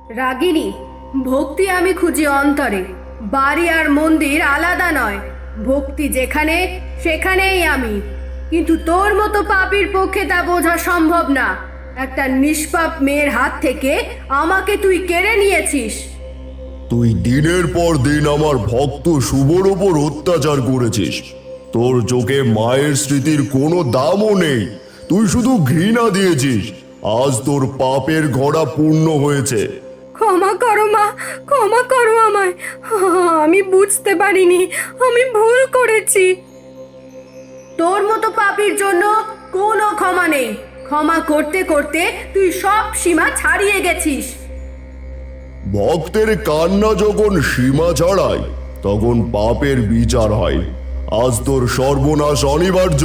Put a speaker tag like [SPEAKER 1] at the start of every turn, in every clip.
[SPEAKER 1] রাগিনী, ভক্তি আমি খুঁজি অন্তরে। বাড়ি আর মন্দির আলাদা নয়। ভক্তি যেখানে সেখানেই আমি। কিন্তু তোর মতো পাপীর পক্ষে তা বোঝা সম্ভব না। একটা নিষ্পাপ মেয়ের হাত থেকে আমাকে তুই কেড়ে নিয়েছিস।
[SPEAKER 2] তুই দিনের পর দিন আমার ভক্ত শুভর ওপর অত্যাচার করেছিস। তোর চোখে মায়ের স্মৃতির কোনো দামও নেই। তুই শুধু ঘৃণা দিয়েছিস। আজ তোর পাপের ঘোড়া পূর্ণ হয়েছে।
[SPEAKER 1] ক্ষমা করো মা, ক্ষমা করো আমায়। আমি বুঝতে পারিনি, আমি ভুল করেছি। তোর মতো পাপীর জন্য কোনো ক্ষমা নেই। ক্ষমা করতে করতে তুই সব সীমা ছাড়িয়ে গেছিস।
[SPEAKER 2] ভক্তের কান্না যখন সীমা ছাড়ায় তখন পাপের বিচার হয়। আজ তোর সর্বনাশ অনিবার্য।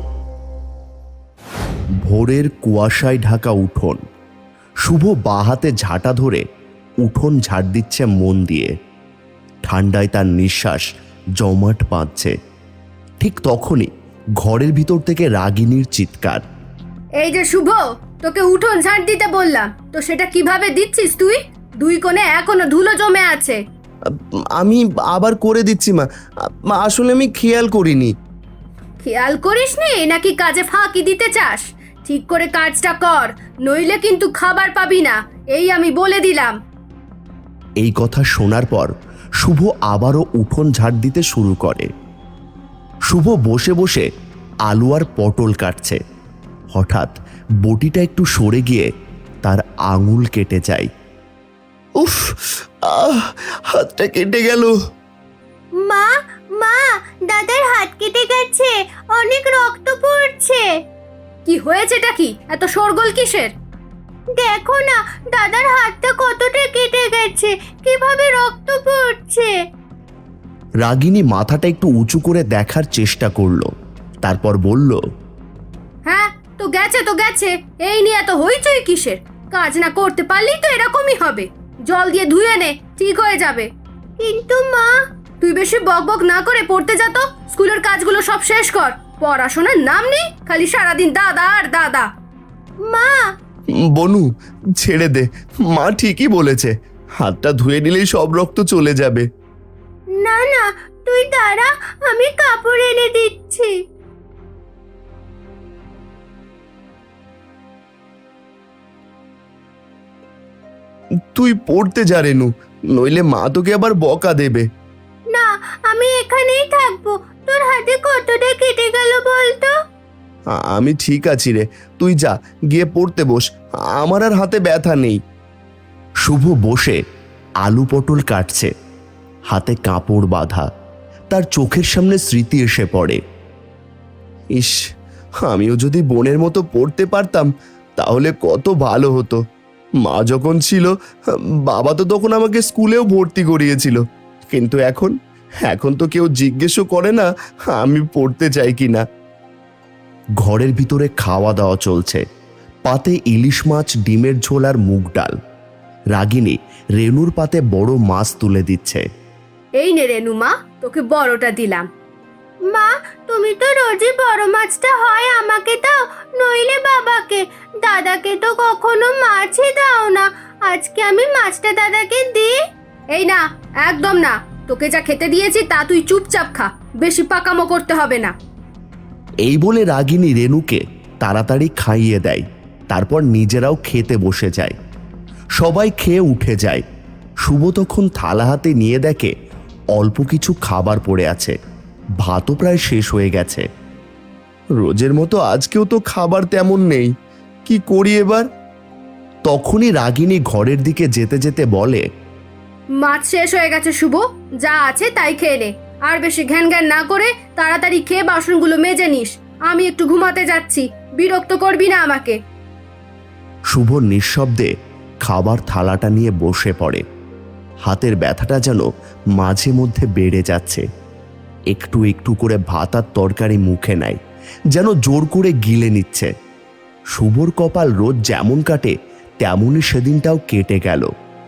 [SPEAKER 3] ভোরের কুয়াশায় ঢাকা উঠোন। শুভ বাহাতে ঝাঁটা ধরে উঠোন ঝাড় দিচ্ছে মন দিয়ে। ঠান্ডায় তার নিঃশ্বাস জমাট বাঁধছে। ঠিক তখনই ঘরের ভিতর থেকে রাগিনীর চিৎকার।
[SPEAKER 1] এই যে শুভ, তোকে উঠোন ঝাড় দিতে বললাম, তো সেটা কিভাবে দিচ্ছিস তুই? দুই কোণে এখনো ধুলো জমে আছে।
[SPEAKER 3] আমি আবার করে দিচ্ছি মা। আসলে আমি খেয়াল করিনি।
[SPEAKER 1] খেয়াল করিসনি নাকি কাজে ফাঁকি দিতে চাস? ঠিক করে কাজটা কর, নইলে কিন্তু খাবার পাবি না, এই আমি বলে দিলাম।
[SPEAKER 3] এই কথা শোনার পর শুভ আবারও উঠোন ঝাড় দিতে শুরু করে। শুভ বসে বসে আলু আর পটল কাটছে। হঠাৎ বটিটা একটু সরে গিয়ে তার আঙুল কেটে যায়। উফ, হাতটা কেটে গেল।
[SPEAKER 4] মা, মা, দাদার হাত কেটে গেছে, অনেক রক্ত পড়ছে।
[SPEAKER 1] কি হয়েছেটা কি? এত শোরগোল কিসের?
[SPEAKER 4] দেখো না, দাদার হাতটা কতটা কেটে গেছে, কিভাবে রক্ত পড়ছে।
[SPEAKER 3] রাগিনী মাথাটা একটু উঁচু করে দেখার চেষ্টা করলো, তারপর বলল,
[SPEAKER 1] হ্যাঁ, তো গেছে তো গেছে, এই নিয়ে এত হইচই কিসের? কাজ না করতে পারলেই তো এরকমই হবে। জল দিয়ে ধুয়ে নে, ঠিক হয়ে যাবে।
[SPEAKER 4] কিন্তু মা,
[SPEAKER 1] তুই বেশি বকবক না করে পড়তে যা তো। স্কুলের কাজগুলো সব শেষ কর। পড়াশোনার নাম নেই, খালি সারাদিন দাদা আর দাদা।
[SPEAKER 4] মা,
[SPEAKER 3] বনু ছেড়ে দে, মা ঠিকই বলেছে, হাতটা ধুয়ে নিলেই সব রক্ত চলে যাবে।
[SPEAKER 4] না না, তুই দাঁড়া, আমি কাপড় এনে দিচ্ছি।
[SPEAKER 3] তুই পড়তে যা রেনু, নইলে মা তোকে আবার বকা দেবে।
[SPEAKER 4] না, আমি এখানেই থাকবো। তোর হাতে কতটা কেটে গেল বলতো?
[SPEAKER 3] আমি ঠিক আছি রে, তুই যা, গিয়ে পড়তে বস, আমার আর হাতে ব্যথা নেই। শুভ বসে আলু পটল কাটছে, হাতে কাপড় বাঁধা। তার চোখের সামনে স্মৃতি এসে পড়ে। ইস, আমিও যদি বোনের মতো পড়তে পারতাম তাহলে কত ভালো হতো। মা যখন ছিল, বাবা তো তখন আমাকে স্কুলেও ভর্তি করিয়েছিল। কিন্তু এখন এখন তো কেউ জিজ্ঞেসও করে না আমি পড়তে চাই কি না। ঘরের ভিতরে খাওয়া দাওয়া চলছে। পাতে ইলিশ মাছ, ডিমের ঝোল আর মুগ ডাল। রাগিনী রেনুর পাতে বড় মাছ তুলে দিচ্ছে।
[SPEAKER 1] এই নে রেনু মা, তোকে বড়টা দিলাম।
[SPEAKER 4] মা, তুমি তো রোজই বড় মাছটা হয় আমাকে দাও, নইলে বাবাকে। দাদাকে তো কখনো মাছই দাও না। আজকে আমি মাছটা দাদাকে দিই।
[SPEAKER 1] এই না, একদম না। তোকে যা খেতে দিয়েছি তা তুই চুপচাপ খা, বেশি পাকামো করতে হবে না।
[SPEAKER 3] এই বলে রাগিনী রেনুকে তাড়াতাড়ি খাইয়ে দেয়। তারপর নিজেরাও খেতে বসে যায়। সবাই খেয়ে উঠে যায়। শুভ তখন থালা হাতে নিয়ে দেখে অল্প কিছু খাবার পড়ে আছে। ভাতও প্রায় শেষ হয়ে গেছে। রোজের মতো আজকেও তো খাবার তেমন নেই, কি করি এবার? তখনই রাগিনী ঘরের দিকে যেতে যেতে বলে,
[SPEAKER 1] মাছ শেষ হয়ে গেছে শুভ, যা আছে তাই খেয়ে নে। আর বেশি ঘ্যান ঘ্যান না করে তাড়াতাড়ি খেয়ে বাসনগুলো মেজে নিস। আমি একটু ঘুমাতে যাচ্ছি, বিরক্ত করবি না আমাকে।
[SPEAKER 3] শুভ নিঃশব্দে খাবার থালাটা নিয়ে বসে পড়ে। হাতের ব্যথাটা যেন মাঝে মধ্যে বেড়ে যাচ্ছে। একটু একটু করে ভাত আর তরকারি মুখে নেয়, যেন জোর করে গিলে নিচ্ছে। শুভর কপাল রোজ যেমন কাটে তেমনই সেদিনটাও কেটে গেল।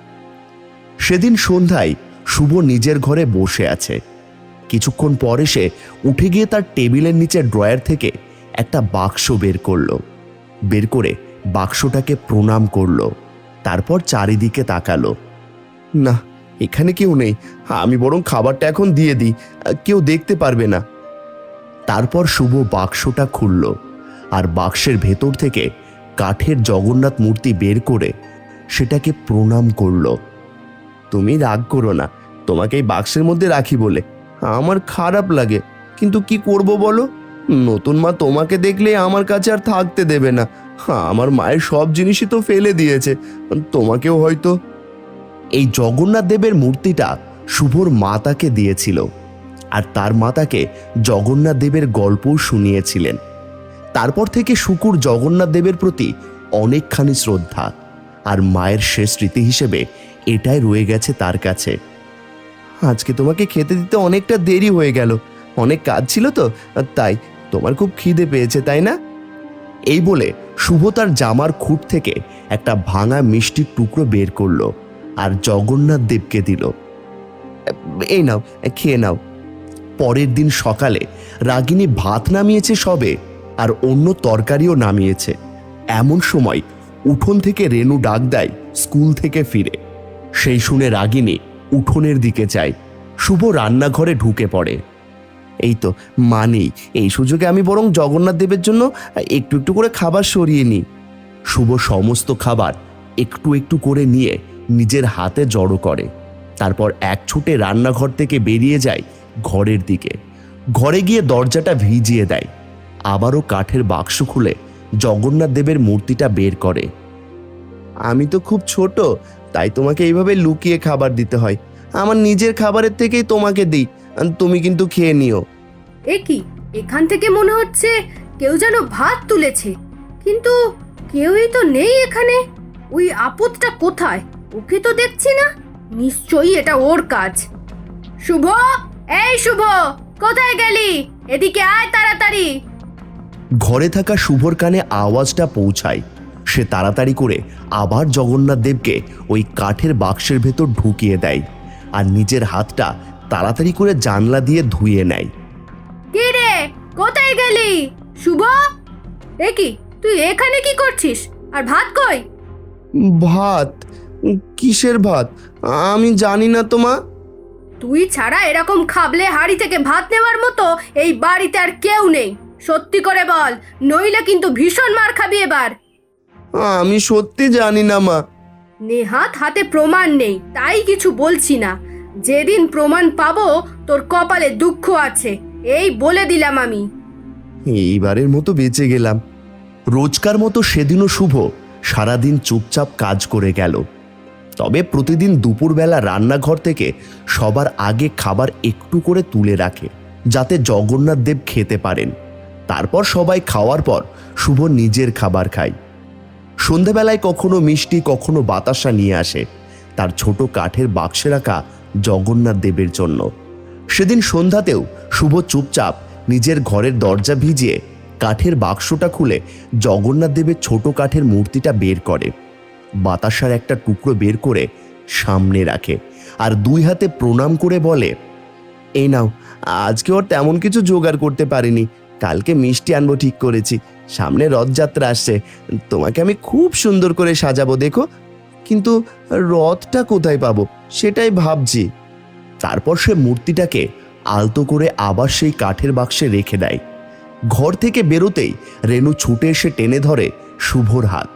[SPEAKER 3] সেদিন সন্ধ্যায় শুভ নিজের ঘরে বসে আছে। কিছুক্ষণ পরে সে উঠে গিয়ে তার টেবিলের নিচে ড্রয়ার থেকে একটা বাক্স বের করলো। বের করে বাক্সটাকে প্রণাম করলো। তারপর চারিদিকে তাকালো। না, এখানে কেউ নেই। আমি বরং খাবারটা এখন দিয়ে দিই, কেউ দেখতে পারবে না। তারপর শুভ বাক্সটা খুলল আর বাক্সের ভেতর থেকে কাঠের জগন্নাথ মূর্তি বের করে সেটাকে প্রণাম করলো। তুমি রাগ করো না, তোমাকে এই বাক্সের মধ্যে রাখি বলে আমার খারাপ লাগে, কিন্তু কি করব বলো? নতুন মা তোমাকে দেখলে আমার কাছে আর থাকতে দেবে না। আমার মায়ের সব জিনিসই তো ফেলে দিয়েছে, তোমাকেও হয়তো। এই জগন্নাথ দেবের মূর্তিটা শুভর মা তাকে দিয়েছিল, আর তার মা তাকে জগন্নাথ দেবের গল্পও শুনিয়েছিলেন। তারপর থেকে শুকুর জগন্নাথ দেবের প্রতি অনেকখানি শ্রদ্ধা, আর মায়ের শেষ স্মৃতি হিসেবে এটাই রয়ে গেছে তার কাছে। আজকে তোমাকে খেতে দিতে অনেকটা দেরি হয়ে গেল, অনেক কাজ ছিল তো, তাই তোমার খুব খিদে পেয়েছে, তাই না? এই বলে শুভ তার জামার খুঁট থেকে একটা ভাঙা মিষ্টির টুকরো বের করলো আর জগন্নাথ দেবকে দিল। এই নাও, খেয়ে নাও। পরের দিন সকালে রাগিনী ভাত নামিয়েছে সবে, আর অন্য তরকারিও নামিয়েছে। এমন সময় উঠোন থেকে রেনু ডাক দেয় স্কুল থেকে ফিরে। সেই শুনে রাগিনী উঠোনের দিকে যায়। শুভ রান্নাঘরে ঢুকে পড়ে। এই তো মা নেই, এই সুযোগে আমি বরং জগন্নাথ দেবের জন্য একটু একটু করে খাবার সরিয়ে নিই। শুভ সমস্ত খাবার একটু একটু করে নিয়ে নিজের হাতে জড়ো করে, তারপর এক ছুটে রান্নাঘর থেকে বেরিয়ে যায় ঘরের দিকে। ঘরে গিয়ে দরজাটা ভিজিয়ে দেয়, আবারও কাঠের বাক্স খুলে জগন্নাথ দেবের মূর্তিটা বের করে। আমি তো খুব ছোট, তাই তোমাকে এইভাবে লুকিয়ে খাবার দিতে হয়। আমার নিজের খাবারের থেকেই তোমাকে দিই, তুমি কিন্তু খেয়ে নিও।
[SPEAKER 1] এ কি, এখান থেকে মনে হচ্ছে কেউ যেন ভাত তুলেছে, কিন্তু কেউই তো নেই এখানে। ওই আপদটা কোথায়? ওকে তো দেখছি না, নিশ্চয়ই এটা ওর কাজ। শুভ, এই শুভ, কোথায় গেলি? এদিকে আয় তাড়াতাড়ি।
[SPEAKER 3] ঘরে থাকা শুভর কানে আওয়াজটা পৌঁছায়। সে তাড়াতাড়ি করে আবার জগন্নাথ দেবকে ওই কাঠের বাক্সের ভেতর ঢুকিয়ে দেয়, আর নিজের হাতটা তাড়াতাড়ি করে জানলা দিয়ে ধুয়ে নেয়।
[SPEAKER 1] কে রে, কোথায় গেলি? শুভ, এ কি, তুই এখানে কি করছিস? আর ভাত কই?
[SPEAKER 3] ভাত? কিসের ভাত? আমি জানি না তো মা।
[SPEAKER 1] তুই ছাড়া এরকম খাবলে হাড়ি থেকে ভাত নেওয়ার মতো এই বাড়িতে আর কেউ নেই। সত্যি করে বল, নইলে কিন্তু ভীষণ মার খাবি এবার।
[SPEAKER 3] আমি সত্যি জানি না মা।
[SPEAKER 1] নেহাত হাতে প্রমাণ নেই, তাই কিছু বলছি না। যেদিন প্রমাণ পাবো তোর কপালে দুঃখ আছে, এই বলে দিলাম আমি।
[SPEAKER 3] এইবারের মতো বেঁচে গেলাম। রোজকার মতো সেদিনও শুভ সারাদিন চুপচাপ কাজ করে গেল। তবে প্রতিদিন দুপুরবেলা রান্নাঘর থেকে সবার আগে খাবার একটু করে তুলে রাখে, যাতে জগন্নাথ দেব খেতে পারেন। তারপর সবাই খাওয়ার পর শুভ নিজের খাবার খায়। সন্ধেবেলায় কখনো মিষ্টি, কখনো বাতাসা নিয়ে আসে তার ছোট কাঠের বাক্সে রাখা জগন্নাথ দেবের জন্য। সেদিন সন্ধ্যাতেও শুভ চুপচাপ নিজের ঘরের দরজা ভিজিয়ে কাঠের বাক্সটা খুলে জগন্নাথ দেবের ছোট কাঠের মূর্তিটা বের করে, বাতাসার একটা টুকরো বের করে সামনে রাখে, আর দুই হাতে প্রণাম করে বলে, এই নাও, আজকে ওর তেমন কিছু জোগাড় করতে পারিনি, কালকে মিষ্টি আনবো ঠিক করেছি। সামনে রথযাত্রা আসছে, তোমাকে আমি খুব সুন্দর করে সাজাবো, দেখো। কিন্তু রথটা কোথায় পাবো সেটাই ভাবছি। তারপর সে মূর্তিটাকে আলতো করে আবার সেই কাঠের বাক্সে রেখে দেয়। ঘর থেকে বেরোতেই রেনু ছুটে এসে টেনে ধরে শুভর হাত।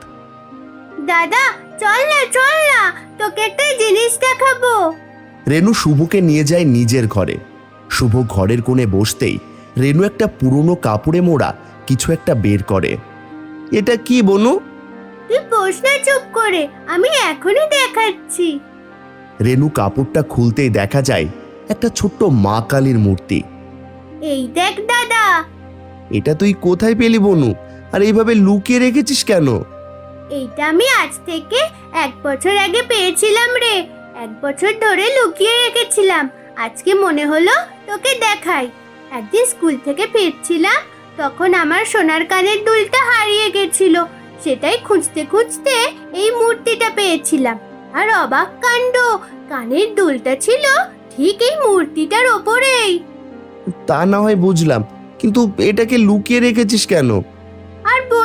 [SPEAKER 4] দাদা চল না, তোকে একটা জিনিস দেখাবো।
[SPEAKER 3] রেনু শুভকে নিয়ে যায় নিজের ঘরে। শুভ ঘরের কোণে বসতেই রেনু একটা পুরনো কাপড়ে মোড়া কিছু একটা বের করে। এটা কি বনু?
[SPEAKER 4] তুই বস না চুপ করে, আমি এখনই দেখাচ্ছি।
[SPEAKER 3] রেনু কাপড়টা খুলতেই দেখা যায় একটা ছোট্ট মা কালীর মূর্তি।
[SPEAKER 4] এই দেখ দাদা।
[SPEAKER 3] এটা তুই কোথায় পেলি বনু? আর এইভাবে লুকিয়ে রেখেছিস কেন?
[SPEAKER 4] এইটা আমি আজ থেকে 1 বছর আগে পেয়েছিলাম রে। 1 বছর ধরে লুকিয়ে রেখেছিলাম, আজকে মনে হলো তোকে দেখাই। একদিন স্কুল থেকে ফিরছিলাম, তখন আমার সোনার কানের দুলটা হারিয়ে গেছিল। সেটাই খুঁজতে খুঁজতে এই মূর্তিটা পেয়েছিলাম। আর অবাক কাণ্ড, কানের দুলটা ছিল ঠিক এই মূর্তিটার ওপরেই।
[SPEAKER 3] তা না হয় বুঝলাম, কিন্তু এটাকে লুকিয়ে রেখেছিস কেন?
[SPEAKER 4] আর বল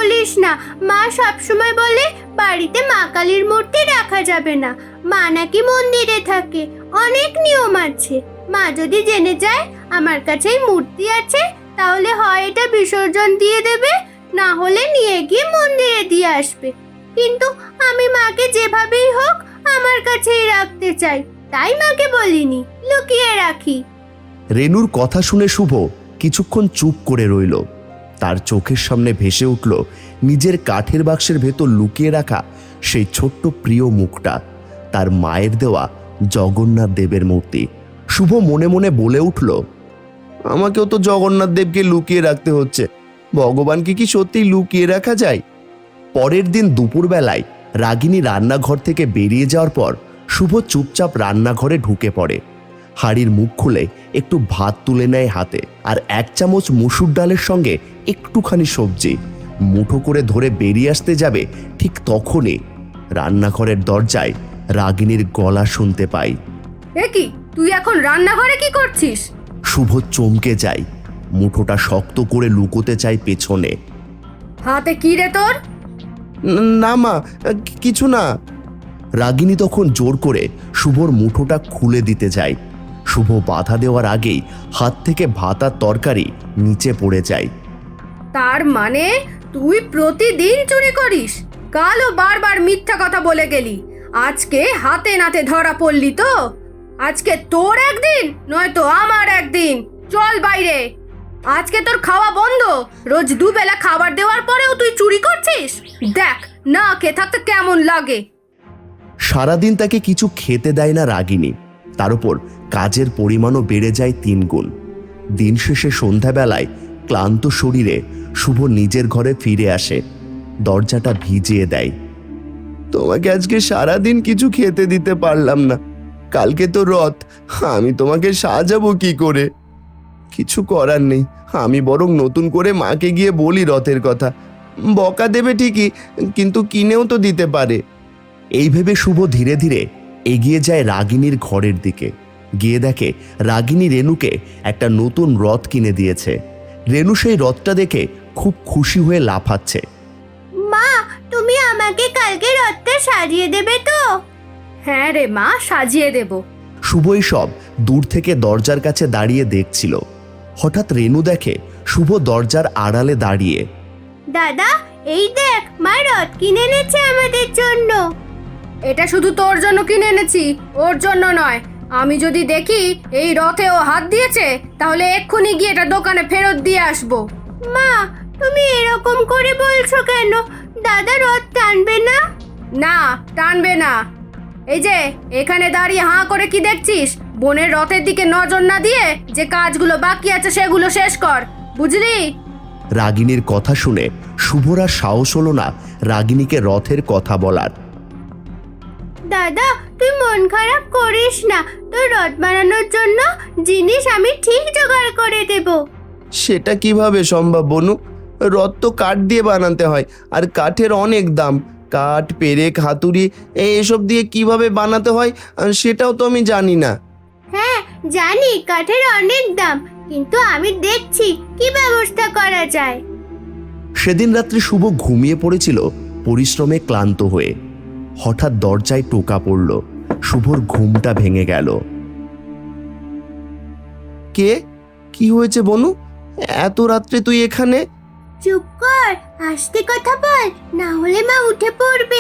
[SPEAKER 4] বলিস না। মা সবসময় বলে বাড়িতে মা কালীর মূর্তি রাখা যাবে না। মা নাকি মন্দিরে থাকে, অনেক নিয়ম আছে। মা যদি জেনে যায় আমার কাছেই মূর্তি আছে, তাহলে হয় এটা বিসর্জন দিয়ে দেবে, না হলে নিয়ে গিয়ে মন্দিরে দিয়ে আসবে। কিন্তু আমি মাকে যেভাবেই হোক আমার কাছেই রাখতে চাই, তাই মাকে বলিনি, লুকিয়ে রাখি।
[SPEAKER 3] রেনুর কথা শুনে শুভ কিছুক্ষণ চুপ করে রইল। তার চোখের সামনে ভেসে উঠল নিজের কাঠের বাক্সের ভেতর লুকিয়ে রাখা সেই ছোট্ট প্রিয় মুখটা, তার মায়ের দেওয়া জগন্নাথ দেবের মূর্তি। শুভ মনে মনে বলে উঠল, আমাকেও তো জগন্নাথ দেবকে লুকিয়ে রাখতে হচ্ছে, ভগবানকে কি সত্যি লুকিয়ে রাখা যায়? পরের দিন দুপুরবেলায় রাগিনী রান্নাঘর থেকে বেরিয়ে যাওয়ার পর শুভ চুপচাপ রান্নাঘরে ঢুকে পড়ে। হাঁড়ির মুখ খুলে একটু ভাত তুলে নেয় হাতে, আর 1 চামচ মুসুর ডালের সঙ্গে একটুখানি সবজি মুঠো করে ধরে বেরিয়ে আসতে যাবে, ঠিক তখনই রান্নাঘরের দরজায় রাগিনীর গলা শুনতে পাই।
[SPEAKER 1] এ কি, তুই এখন রান্নাঘরে কি করছিস?
[SPEAKER 3] শুভ চমকে যায়, মুঠোটা শক্ত করে লুকোতে চায় পেছনে।
[SPEAKER 1] হাতে কি রে তোর?
[SPEAKER 3] না মা, কিছু না। রাগিনী তখন জোর করে শুভর মুঠোটা খুলে দিতে যায়। শুভ বাধা দেওয়ার আগেই হাত থেকে ভাত আর তরকারি নিচে পড়ে যায়।
[SPEAKER 1] তার মানে তুই প্রতিদিন চুরি করিস? কালও বারবার মিথ্যা কথা বলে গেলি, আজকে হাতে নাতে ধরা পড়লি তো? আজকে তোর একদিন, নয়তো আমার একদিন। চল বাইরে, আজকে তোর খাওয়া বন্ধ। রোজ দুবেলা খাবার দেওয়ার পরেও তুই চুরি করছিস? দেখ না খেয়ে থাকতে কেমন লাগে।
[SPEAKER 3] সারাদিন তাকে কিছু খেতে দেয় না রাগিনী, তার উপর কাজের পরিমাণও বেড়ে যায় 3 গুণ। দিন শেষে সন্ধ্যাবেলায় ক্লান্ত শরীরে শুভ নিজের ঘরে ফিরে আসে, দরজাটা ভিজিয়ে দেয়। তোমাকে আজকে সারাদিন কিছু খেতে দিতে পারলাম না, কালকে তো রথ, আমি তোমাকে সাজাবো কি করে? কিছু করার নেই, আমি বরং নতুন করে মাকে গিয়ে বলি রথের কথা। বকা দেবে ঠিকই, কিন্তু কিনেও তো দিতে পারে। এই ভেবে শুভ ধীরে ধীরে এগিয়ে যায় রাগিনীর ঘরের দিকে। গিয়ে দেখে রাগিনী রেনুকে একটা নতুন রথ কিনে দিয়েছে। রেনু সেই রথটা দেখে খুব খুশি হয়ে লাফাচ্ছে।
[SPEAKER 4] মা, তুমি আমাকে কালকে রথটা সাজিয়ে দেবে তো?
[SPEAKER 1] হ্যাঁ রে মা, সাজিয়ে দেব।
[SPEAKER 3] শুভই সব দূর থেকে দরজার কাছে দাঁড়িয়ে দেখছিল। হঠাৎ রেনু দেখে শুভ দরজার আড়ালে দাঁড়িয়ে।
[SPEAKER 4] দাদা, এই দেখ, মা রথ কিনে এনেছে আমাদের জন্য।
[SPEAKER 1] এটা শুধু তোর জন্য কিনে এনেছি, ওর জন্য নয়। আমি যদি দেখি এই রথে ও হাত দিয়েছে, তাহলে এক্ষুনি গিয়ে এটা দোকানে ফেরত দিয়ে আসবো।
[SPEAKER 4] মা, তুমি এরকম করে বলছো কেন? দাদা রথ টানবে না?
[SPEAKER 1] না, টানবে না। এই যে এখানে দাঁড়িয়ে হাঁ করে কি দেখছিস? বোনের রথের দিকে নজর না দিয়ে যে কাজগুলো বাকি আছে সেগুলো শেষ কর, বুঝলি?
[SPEAKER 3] রাগিনীর কথা শুনে শুভর আর সাহস হলো না রাগিনীকে রথের কথা বলার।
[SPEAKER 4] দাদা, তুই মন খারাপ করিস না, তোর রথ বানানোর জন্য জিনিস আমি ঠিক জোগাড় করে দেব।
[SPEAKER 3] সেটা কিভাবে সম্ভব বনু? রথ তো কাঠ দিয়ে বানাতে হয়, আর কাঠের অনেক দাম। কাঠ, পেরেক, হাতুড়ি এসব দিয়ে কিভাবে বানাতে হয় সেটাও তো আমি জানি না।
[SPEAKER 4] হ্যাঁ জানি, কাঠের অনেক দাম, কিন্তু আমি দেখছি কি ব্যবস্থা করা যায়।
[SPEAKER 3] সেদিন রাত্রে শুভ ঘুমিয়ে পড়েছিল পরিশ্রমে ক্লান্ত হয়ে। হঠাৎ দরজায় টোকা পড়ল। শুভর ঘুমটা ভেঙে গেল। কে? কি হয়েছে বনু? এত রাত্রে তুই এখানে?
[SPEAKER 4] চুপ কর, আস্তে কথা বল, না হলে মা উঠে পড়বে।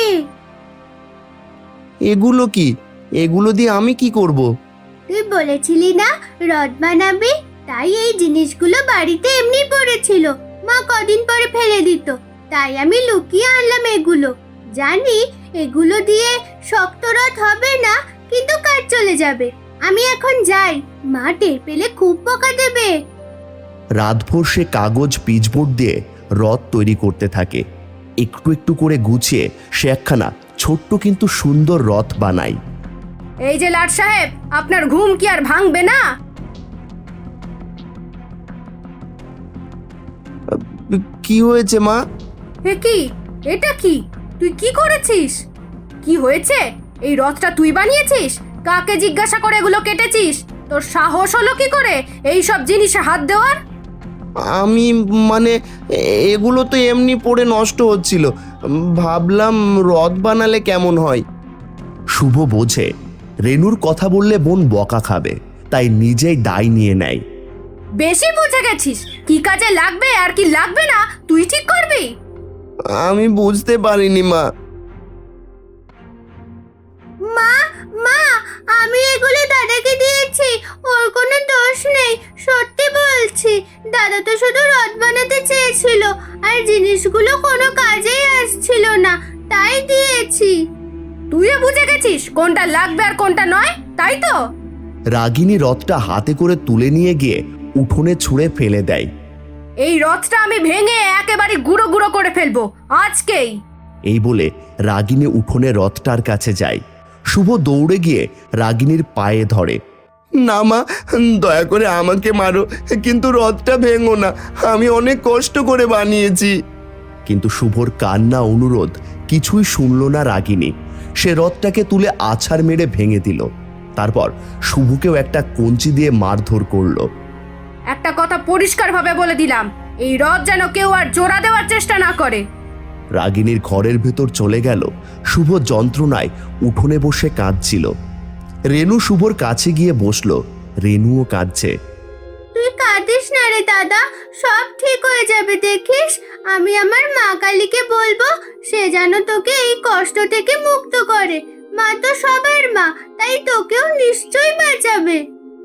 [SPEAKER 3] এগুলো কি? এগুলো দিয়ে আমি কি করব?
[SPEAKER 4] তুই বলেছিলি না রথ বানাবি, তাই এই জিনিসগুলো বাড়িতে এমনি পড়েছিল, মা কদিন পরে ফেলে দিত, তাই আমি লুকিয়ে আনলাম এগুলো। জানি এগুলো দিয়ে শক্ত রথ হবে না, কিন্তু কাজ চলে যাবে। আমি এখন যাই, মা টের পেলে খুব বকা দেবে।
[SPEAKER 3] রাতভর সে কাগজ পিচবোর্ড দিয়ে রথ তৈরি করতে থাকে। একটু একটু করে গুছিয়ে সে একখানা ছোট্ট কিন্তু সুন্দর রথ বানায়।
[SPEAKER 1] এই যে লাট সাহেব, আপনার ঘুম কি আর ভাঙবে না?
[SPEAKER 3] কি হয়েছে মা?
[SPEAKER 1] এ কি? এটা কি? তুই কি করেছিস? কি হয়েছে? এই রথটা তুই বানিয়েছিস? কাকে জিজ্ঞাসা করে এগুলো কেটেছিস? তোর সাহস হলো কি করে এই সব জিনিসে হাত দেওয়ার?
[SPEAKER 3] আমি মানে এগুলো তো এমনি পড়ে নষ্ট হচ্ছিল, ভাবলাম রথ বানালে কেমন হয়। শুভ বোঝে রেনুর কথা বললে বোন বকা খাবে, তাই নিজেই দায় নিয়ে নেয়।
[SPEAKER 1] বেশি বুঝে গেছিস, কি কাজে লাগবে আর কি লাগবে না তুই ঠিক করবি।
[SPEAKER 3] আমি বুঝতে পারিনি মা।
[SPEAKER 4] মা মা আমি এগুলো দাদাকে দিয়েছি, ওর কোনো দোষ নেই, সত্যি বলছি। দাদা তো শুধু রথ বানাতে চেয়েছিল, আর জিনিসগুলো কোনো কাজেই আসছিল না, তাই দিয়েছি।
[SPEAKER 1] তুইও বুঝে গেছিস কোনটা লাগবে আর কোনটা নয়, তাই তো?
[SPEAKER 3] রাগিনী রথটা হাতে করে তুলে নিয়ে গিয়ে উঠোনে ছুঁড়ে ফেলে দেয়।
[SPEAKER 1] এই রথটা আমি ভেঙে একেবারে গুঁড়ো গুঁড়ো করে ফেলবো আজকেই।
[SPEAKER 3] এই বলে রাগিনী উঠোনে রথটার কাছে যায়। শুভ দৌড়ে গিয়ে রাগিনীর পায়ে ধরে। না মা, দয়া করে আমাকে মারো, কিন্তু রথটা ভেঙো না, আমি অনেক কষ্ট করে বানিয়েছি। কিন্তু শুভর কান্না অনুরোধ কিছুই শুনল না রাগিনী। সে রথটাকে তুলে আছাড় মেরে ভেঙে দিল। তারপর শুভকেও একটা কঞ্চি দিয়ে মারধর করলো।
[SPEAKER 1] একটা কথা পরিষ্কারভাবে বলে দিলাম, এই রথ যেন কেউ আর জোড়া দেওয়ার চেষ্টা না করে।
[SPEAKER 3] রাগিনীর ঘরের ভেতর চলে গেল। শুভ যন্ত্রণায় উঠোনে বসে কাঁদছিল। রেনু শুভর কাছে গিয়ে বসলো। রেনুও কাঁদছে।
[SPEAKER 4] তুই কাঁদিস না রে দাদা, সব ঠিক হয়ে যাবে দেখিস। আমি আমার মা কালীকে বলবো, সে যেন তোকে এই কষ্ট থেকে মুক্ত করে। মা তো সবার মা, তাই তোকেও নিশ্চয়ই বাঁচাবে।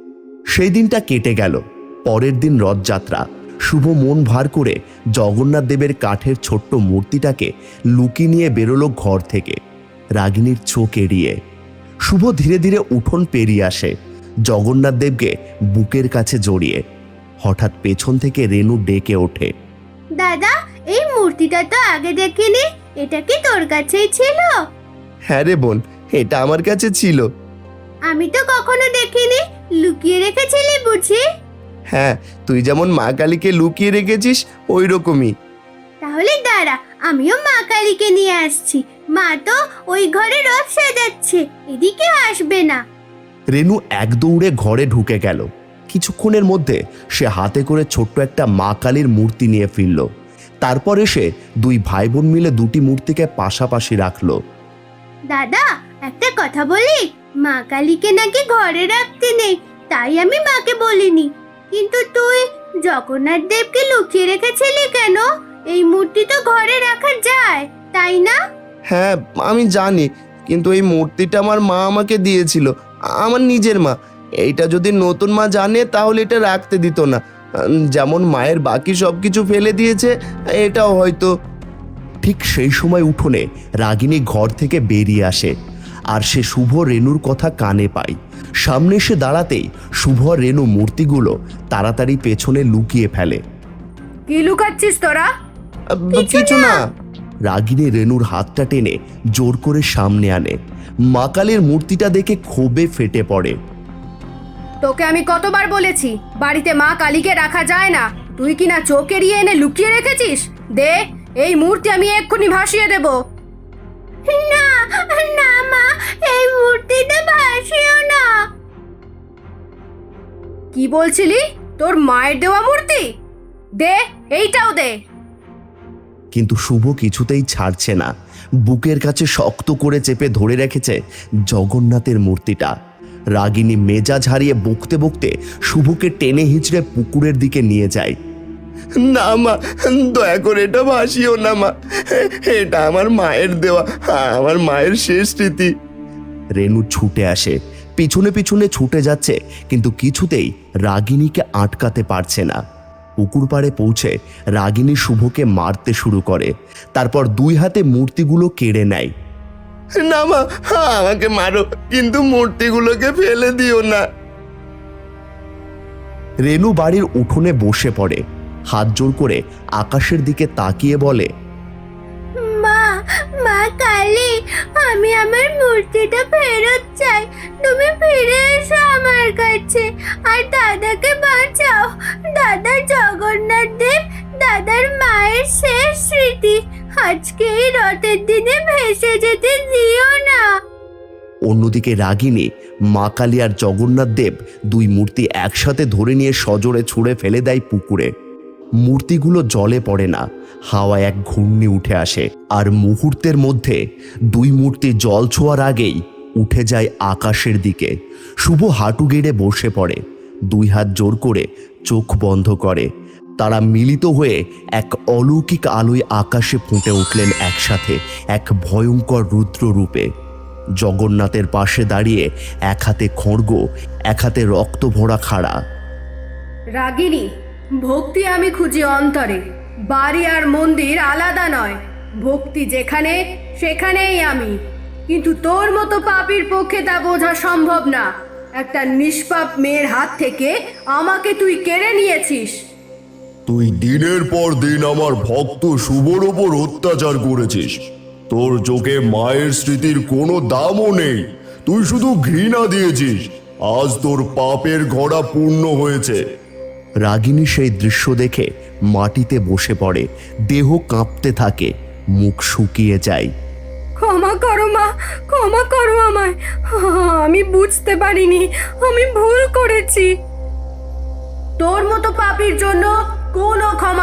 [SPEAKER 3] সেই দিনটা কেটে গেল। পরের দিন রথযাত্রা। শুভ মন ভার করে জগন্নাথ দেবের কাঠের ছোট্ট মূর্তিটাকে লুকিয়ে নিয়ে বেরোলো ঘর থেকে, রাগিনীর চোখ এড়িয়ে। শুভ ধীরে ধীরে উঠোন পেরিয়ে আসে, জগন্নাথ দেবকে বুকের কাছে জড়িয়ে। হঠাৎ পেছন থেকে রেনু ডেকে ওঠে।
[SPEAKER 4] দাদা, এই মূর্তিটা তো আগে দেখিনি, এটা কি তোর কাছেই ছিল?
[SPEAKER 3] হ্যাঁ রে বোন, এটা আমার কাছে ছিল।
[SPEAKER 4] আমি তো কখনো দেখিনি, লুকিয়ে রেখেছিলি বুঝি?
[SPEAKER 3] হ্যাঁ, তুই যেমন মা কালীকে লুকিয়ে রেখেছিস ওই রকমই।
[SPEAKER 4] তাহলে দাঁড়া, আমিও মা কালীকে নিয়ে আসছি। মা তো ওই ঘরে রথ সাজাচ্ছে, এদিকে আসবে না।
[SPEAKER 3] রেনু এক দৌড়ে ঘরে ঢুকে গেল। কিছুক্ষণের মধ্যে সে হাতে করে ছোট্ট একটা মা কালীর মূর্তি নিয়ে ফিরল। তারপর এসে দুই ভাই বোন মিলে দুটি মূর্তিকে পাশাপাশি রাখলো।
[SPEAKER 4] দাদা, একটা কথা বলি, মা কালীকে নাকি ঘরে রাখতে নেই, তাই আমি মাকে বলিনি। কিন্তু তুই জগন্নাথ দেবকে লুকিয়ে রেখেছিলি কেন? এই মূর্তি তো ঘরে রাখা যায়, তাই না?
[SPEAKER 3] হ্যাঁ আমি জানি, কিন্তু এই মূর্তিটা আমার মা আমাকে দিয়েছিল, আমার নিজের মা। এইটা যদি নতুন মা জানে তাহলে এটা রাখতে দিত না। যেমন মায়ের বাকি সব কিছু ফেলে দিয়েছে, এটাও হয়তো। ঠিক সেই সময় উঠোনে রাগিনী ঘর থেকে বেরিয়ে আসে, আর সে শুভ রেনুর কথা কানে পায়। সামনে এসে দাঁড়াতেই শুভ রেনু মূর্তিগুলো তাড়াতাড়ি পেছনে লুকিয়ে ফেলে।
[SPEAKER 1] কি লুকাচ্ছিস তোরা?
[SPEAKER 3] কিছু না। রাগিনী রেনুর হাতটা টেনে জোর করে সামনে আনে। মা কালীর মূর্তিটা দেখে ক্ষোভে ফেটে পড়ে।
[SPEAKER 1] তোকে আমি কতবার বলেছি বাড়িতে মা কালীকে রাখা যায় না, তুই কিনা চোখ এড়িয়ে এনে লুকিয়ে রেখেছিস। দে, এই মূর্তি আমি এক্ষুনি ভাসিয়ে দেব।
[SPEAKER 4] না না মা, এই মূর্তিটা ভাসিও না।
[SPEAKER 1] কি বলছিলি? তোর মায়ের দেওয়া মূর্তি? দে, এইটাও দে।
[SPEAKER 3] কিন্তু শুভ কিছুতেই ছাড়ছে না। বুকের কাছে শক্ত করে চেপে ধরে রেখেছে জগন্নাথের মূর্তিটা। রাগিনী মেজাজ হারিয়ে বকতে বকতে শুভকে টেনে হিঁচড়ে পুকুরের দিকে নিয়ে যায়। না মা, দয়া করে এটা ভাসিও না মা, এটা আমার মায়ের দেওয়া, আমার মায়ের শেষ স্মৃতি। রেনু ছুটে আসে, পিছনে পিছনে ছুটে যাচ্ছে, কিন্তু কিছুতেই রাগিনীকে আটকাতে পারছে না। পুকুর পাড়ে পৌঁছে রাগিনী শুভকে মারতে শুরু করে। তারপর দুই হাতে মূর্তিগুলো কেড়ে নেয়। না মা, আমাকে মারো, কিন্তু মূর্তিগুলোকে ফেলে দিও না। রেনু বাড়ির উঠোনে বসে পড়ে, হাত জোর করে আকাশের দিকে তাকিয়ে বলে,
[SPEAKER 4] মা, মা কালী, আমি আমার মূর্তিটা ফেরত চাই। তুমি ফিরে এসো আমার কাছে, আর দাদাকে বাঁচাও। দাদার জগন্নাথ দেব, দাদার মায়ের শেষ স্মৃতি আজকে এই রথের দিনে ভেসে যেতে দিও না।
[SPEAKER 3] অন্যদিকে রাগিনী মা কালী আর জগন্নাথ দেব দুই মূর্তি একসাথে ধরে নিয়ে সজোরে ছুঁড়ে ফেলে দেয় পুকুরে। মূর্তিগুলো জলে পড়ে না, হাওয়ায় এক ঘূর্ণি উঠে আসে, আর মুহূর্তের মধ্যে দুই মূর্তি জল ছোঁয়ার আগেই উঠে যায় আকাশের দিকে। শুভ হাঁটু গেড়ে বসে পড়ে, দুই হাত জোর করে চোখ বন্ধ করে। তারা মিলিত হয়ে এক অলৌকিক আলোয় আকাশে ফুটে উঠলেন একসাথে, এক ভয়ঙ্কর রুদ্র রূপে। জগন্নাথের পাশে দাঁড়িয়ে এক হাতে খড়গ, এক হাতে রক্ত ভরা খাড়া।
[SPEAKER 1] রাগিনী, ভক্তি আমি খুঁজি অন্তরে, বাড়ি আর মন্দির আলাদা নয়। ভক্তি যেখানে সেখানেই আমি, কিন্তু তোর মতো পাপীর পক্ষে তা বোঝা সম্ভব না। একটা নিষ্পাপ মেয়ের হাত থেকে আমাকে তুই কেড়ে নিয়েছিস।
[SPEAKER 2] তুই দিনের পর দিন আমার ভক্ত শুভর ওপর অত্যাচার করেছিস। তোর চোখে মায়ের স্মৃতির কোনো দামও নেই, তুই শুধু ঘৃণা দিয়েছিস। আজ তোর পাপের ঘোড়া পূর্ণ হয়েছে।
[SPEAKER 3] রাগিনী সেই দৃশ্য দেখে মাটিতে বসে পড়ে, দেহ কাঁপতে থাকে, মুখ শুকিয়ে যায়।
[SPEAKER 1] ক্ষমা করো মা, ক্ষমা করো আমায়। আমি বুঝতে পারিনি, আমি ভুল করেছি। তোর মতো পাপীর জন্য কোনো ক্ষমা